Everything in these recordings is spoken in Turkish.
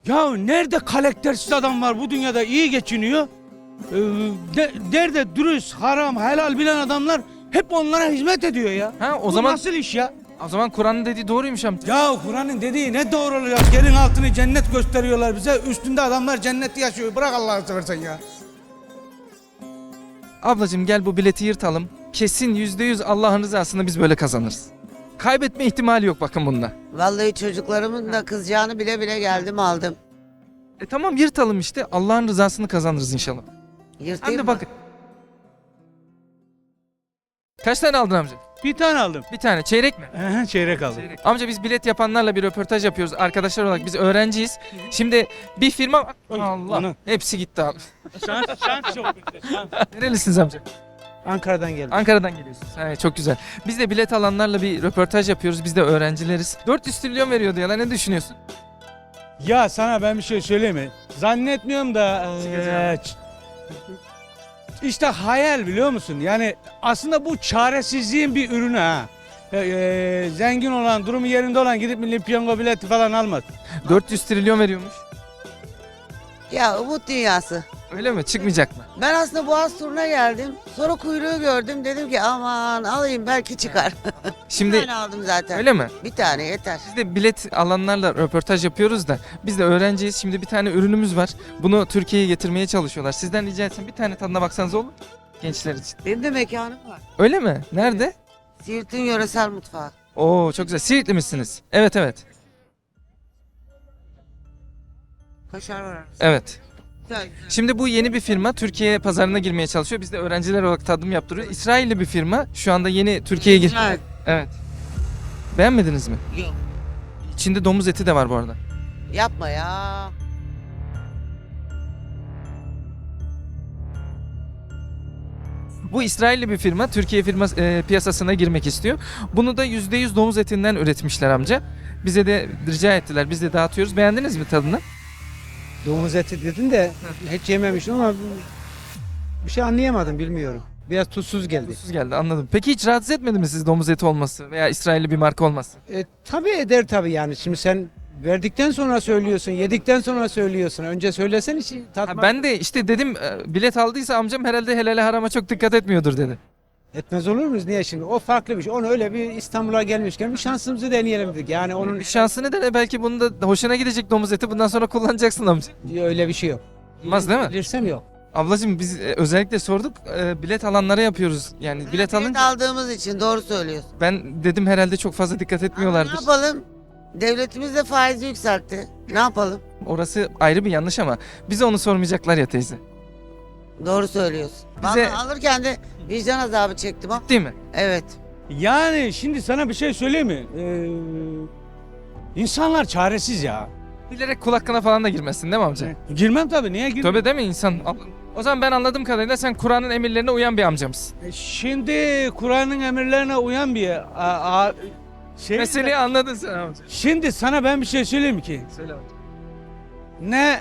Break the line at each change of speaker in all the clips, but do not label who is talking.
Ya nerede karaktersiz adam var bu dünyada iyi geçiniyor? Nerede dürüst, haram, helal bilen adamlar hep onlara hizmet ediyor ya.
Ha o
Bu
zaman
nasıl iş ya?
Kur'an'ın dediği doğruymuş amca.
Ya Kur'an'ın dediği ne doğru oluyor? Yerin altını cennet gösteriyorlar bize. Üstünde adamlar cennette yaşıyor. Bırak Allah'ını seversen ya.
Ablacığım gel bu bileti yırtalım. Kesin %100 Allah'ın rızasını biz böyle kazanırız. Kaybetme ihtimali yok bakın bunda.
Vallahi çocuklarımın da kızacağını bile bile geldim aldım.
Tamam yırtalım işte. Allah'ın rızasını kazanırız inşallah.
Yırtayım
Hem de
mı?
bakın. Kaç tane aldın amca?
Bir tane aldım.
Bir tane. Çeyrek mi?
Çeyrek aldım.
Çeyrek. Amca biz bilet yapanlarla bir röportaj yapıyoruz. Arkadaşlar olarak biz öğrenciyiz. Şimdi bir firma... Allah.
ana.
Hepsi gitti abi.
Şans çok
Nerelisiniz amca?
Ankara'dan geldim.
Ankara'dan geliyorsunuz. Evet, çok güzel. Biz de bilet alanlarla bir röportaj yapıyoruz. Biz de öğrencileriz. 400 trilyon veriyordu ya lan, ne düşünüyorsun?
Ya sana ben bir şey söyleyeyim mi? Zannetmiyorum da işte hayal biliyor musun? Yani aslında bu çaresizliğin bir ürünü ha. Zengin olan, durumu yerinde olan gidip milli piyango bileti falan almaz.
400 trilyon veriyormuş.
Ya umut dünyası.
Öyle mi? Çıkmayacak mı?
Ben aslında Boğaz turuna geldim. Sonra kuyruğu gördüm. Dedim ki aman alayım belki çıkar. Bir
Şimdi
tane aldım zaten.
öyle mi?
Bir tane yeter.
Biz de bilet alanlarla röportaj yapıyoruz da biz de öğrenciyiz. Şimdi bir tane ürünümüz var. Bunu Türkiye'ye getirmeye çalışıyorlar. Sizden rica etsem bir tane tadına baksanız olur mu? Gençler için.
Benim de mekanım var.
Öyle mi? Nerede?
Siirt'in yöresel mutfağı.
Oo çok güzel. Siirtli misiniz? Evet evet.
Kaşar var.
Evet.
Güzel güzel.
Şimdi bu yeni bir firma Türkiye pazarına girmeye çalışıyor. Biz de öğrenciler olarak tadım yaptırıyoruz. İsrailli bir firma şu anda yeni Türkiye'ye gir.
Güzel.
Evet. Beğenmediniz mi?
Yok.
İçinde domuz eti de var bu arada.
Yapma ya.
Bu İsrailli bir firma Türkiye piyasasına girmek istiyor. Bunu da %100 domuz etinden üretmişler amca. Bize de rica ettiler. Biz de dağıtıyoruz. Beğendiniz mi tadını?
Domuz eti dedin de hiç yememiştim ama bir şey anlayamadım, bilmiyorum. Biraz tuzsuz geldi.
Tuzsuz geldi, anladım. Peki hiç rahatsız etmedi mi sizi domuz eti olması veya İsrailli bir marka olması?
Tabii eder tabii yani. Şimdi sen verdikten sonra söylüyorsun, yedikten sonra söylüyorsun. Önce söylesen hiç
Ha,
tatmak
ben de işte dedim bilet aldıysa amcam herhalde helale harama çok dikkat etmiyordur dedi.
etmez olur muyuz? Niye şimdi? O farklı bir şey. Onu öyle bir İstanbul'a gelmişken bir şansımızı deneyelim dedik. Yani onun
Bir şansı ne de belki bunun da hoşuna gidecek domuz eti bundan sonra kullanacaksın amca.
öyle bir şey yok.
Olmaz değil mi?
Bilirsem yok.
Ablacığım biz özellikle sorduk bilet alanlara yapıyoruz. Yani bilet
Bilet
alınca
aldığımız için doğru söylüyorsun.
ben dedim herhalde çok fazla dikkat
Ama
etmiyorlardır.
ne yapalım? Devletimiz de faizi yükseltti. Ne yapalım?
Orası ayrı bir yanlış ama bize onu sormayacaklar ya teyze.
Doğru söylüyorsun.
Bize-
Vallahi alırken de vicdan azabı çektim ama.
Değil mi?
Evet.
Yani şimdi sana bir şey söyleyeyim mi? İnsanlar çaresiz ya.
Bilerek kul hakkına falan da girmezsin değil mi amca?
Girmem tabii. Niye girmem?
Tövbe değil mi insan? O zaman ben anladığım kadarıyla sen Kur'an'ın emirlerine uyan bir amcamsın.
Şimdi Kur'an'ın emirlerine uyan bir şey.
Meseleyi anladın sen amca.
Şimdi sana ben bir şey söyleyeyim mi ki?
Söyle amca.
Ne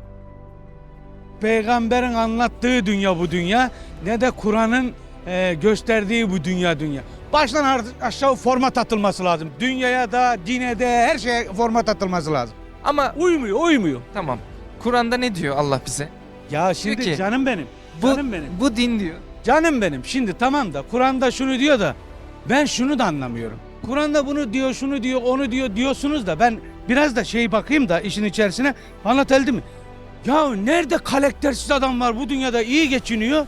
peygamberin anlattığı dünya bu dünya, ne de Kur'an'ın gösterdiği bu dünya. Baştan aşağı format atılması lazım. Dünyaya da, dine de, her şeye format atılması lazım.
Ama
Uymuyor.
tamam. Kur'an'da ne diyor Allah bize?
Ya şimdi
Diyor ki,
canım benim. Canım benim.
Bu din diyor.
Canım benim. Şimdi tamam da Kur'an'da şunu diyor da ben şunu da anlamıyorum. Kur'an'da bunu diyor, şunu diyor, onu diyor diyorsunuz da ben biraz da bakayım da işin içerisine, anlatabildim mi? Ya nerede karaktersiz adam var bu dünyada iyi geçiniyor?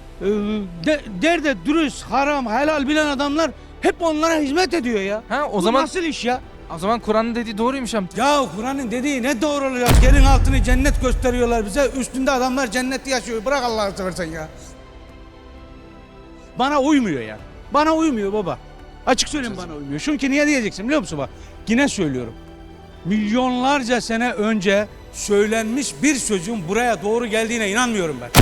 Nerede dürüst, haram, helal bilen adamlar hep onlara hizmet ediyor ya.
Ha o
Bu
zaman
nasıl iş ya?
Kur'an'ın dediği doğruymuş amca.
Ya Kur'an'ın dediği ne doğru oluyor? Yerin altını cennet gösteriyorlar bize. Üstünde adamlar cennette yaşıyor. Bırak Allah'ını seversen ya. Bana uymuyor ya. Bana uymuyor baba. Açık söyleyeyim, bana uymuyor. Çünkü niye diyeceksin biliyor musun bak? Yine söylüyorum. Milyonlarca sene önce söylenmiş bir sözün buraya doğru geldiğine inanmıyorum ben.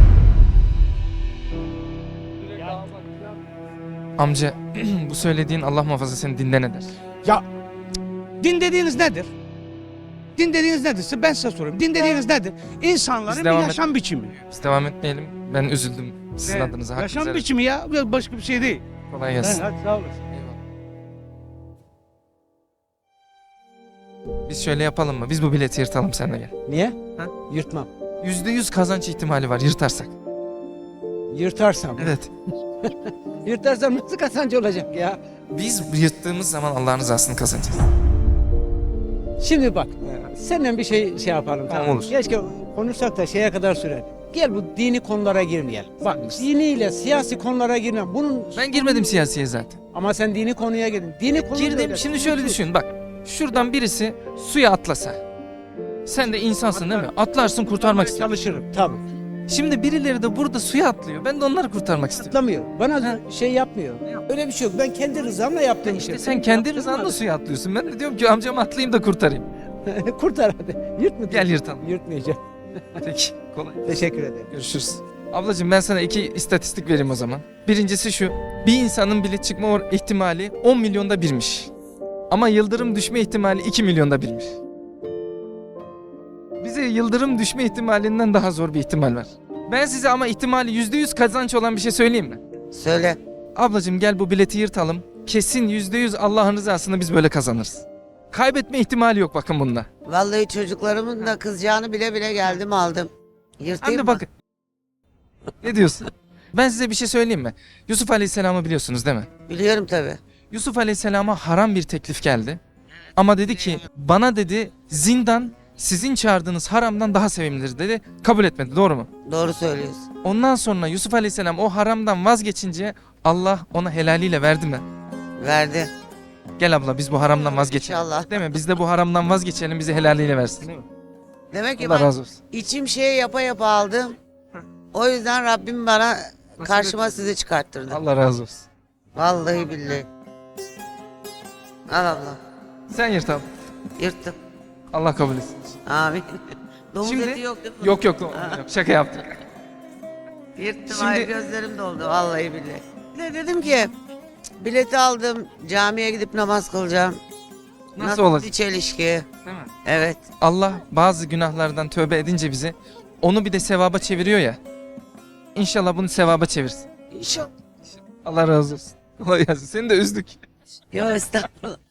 Amca bu söylediğin Allah muhafaza seni dinden eder.
Ya din dediğiniz nedir? Din dediğiniz nedir? Ben size sorayım. Din dediğiniz nedir? İnsanların
Biz
bir
devam
yaşam biçimi.
Biz devam etmeyelim. Ben üzüldüm sizin adınıza. Hakkınızı
Yaşam
helal-
biçimi ya. Başka bir şey değil.
Kolay gelsin.
Hadi sağ olasın.
Eyvallah. Biz şöyle yapalım mı? Biz bu bileti yırtalım seninle gel.
Niye?
Ha?
Yırtmam.
%100 kazanç ihtimali var yırtarsak.
Yırtarsam.
Evet.
Yırtarsam nasıl kazancı olacak ya?
Biz yırttığımız zaman Allah'ın rızasını kazanacağız.
Şimdi bak, senden bir şey yapalım.
Tamam,
Tamam.
olur.
Keşke konuşsak da şeye kadar sürer. Gel bu dini konulara girmeyelim. Bak diniyle siyasi konulara girme. Bunun
Ben girmedim siyasiye zaten.
ama sen dini konuya girdin. Dini konu
Girdim.
böyle.
Şimdi şöyle düşün bak. Şuradan birisi suya atlasa. Sen de insansın değil mi? Atlarsın kurtarmak istiyorsun.
Çalışırım tabii.
Şimdi birileri de burada suya atlıyor. Ben de onları kurtarmak istiyorum.
Atlamıyor. Bana şey yapmıyor. Öyle bir şey yok. Ben kendi rızamla yaptığım
İşte
şey.
sen kendi rızanla suya atlıyorsun. Ben de diyorum ki amcamı atlayayım da kurtarayım.
Kurtar hadi. Yırtma.
Gel yırtalım.
Yırtmayacağım.
Peki. Kolay.
Teşekkür ederim.
Görüşürüz. Ablacığım ben sana 2 istatistik vereyim o zaman. Birincisi şu. Bir insanın bile çıkma ihtimali 10 milyonda birmiş. Ama yıldırım düşme ihtimali 2 milyonda birmiş. Bize yıldırım düşme ihtimalinden daha zor bir ihtimal var. Ben size ama ihtimali %100 kazanç olan bir şey söyleyeyim mi?
Söyle.
Ablacığım gel bu bileti yırtalım. Kesin %100 Allah'ın rızasını biz böyle kazanırız. Kaybetme ihtimali yok bakın bunda.
Vallahi çocuklarımın da kızacağını bile bile geldim aldım.
Hem
Yırtayım
de
mı?
bakın. Ne diyorsun? Ben size bir şey söyleyeyim mi? Yusuf Aleyhisselam'ı biliyorsunuz değil mi?
Biliyorum tabii.
Yusuf Aleyhisselam'a haram bir teklif geldi. Ama dedi ki bana dedi zindan sizin çağırdığınız haramdan daha sevimlidir dedi. Kabul etmedi, doğru mu?
Doğru söylüyorsun.
Ondan sonra Yusuf Aleyhisselam o haramdan vazgeçince Allah ona helaliyle verdi mi?
Verdi.
Gel abla biz bu haramdan vazgeçelim.
İnşallah.
Değil mi? Biz de bu haramdan vazgeçelim bizi helaliyle versin. Değil mi?
Demek ki
Allah
ben
razı olsun.
içim şey yapa yapa aldım. O yüzden Rabbim bana karşıma sizi çıkarttırdı.
Allah razı olsun.
Vallahi billahi. Al abla.
Sen yırt abi.
Yırttım.
Allah kabul etsin.
Amin. Domuz
Şimdi-
eti yok değil mi?
Yok yok yok. Şaka yaptık.
Yırttım.
Şimdi-
Ay gözlerim doldu. Vallahi billahi. Bir de dedim ki "Cık, bileti aldım. Camiye gidip namaz kılacağım.
Nasıl olacak?
Bir çelişki.
Değil mi?
Evet.
Allah bazı günahlardan tövbe edince bizi onu bir de sevaba çeviriyor ya. İnşallah bunu sevaba çevirsin.
İnşallah.
Allah razı olsun. Allah yazsın. Seni de üzdük.
Yok estağfurullah.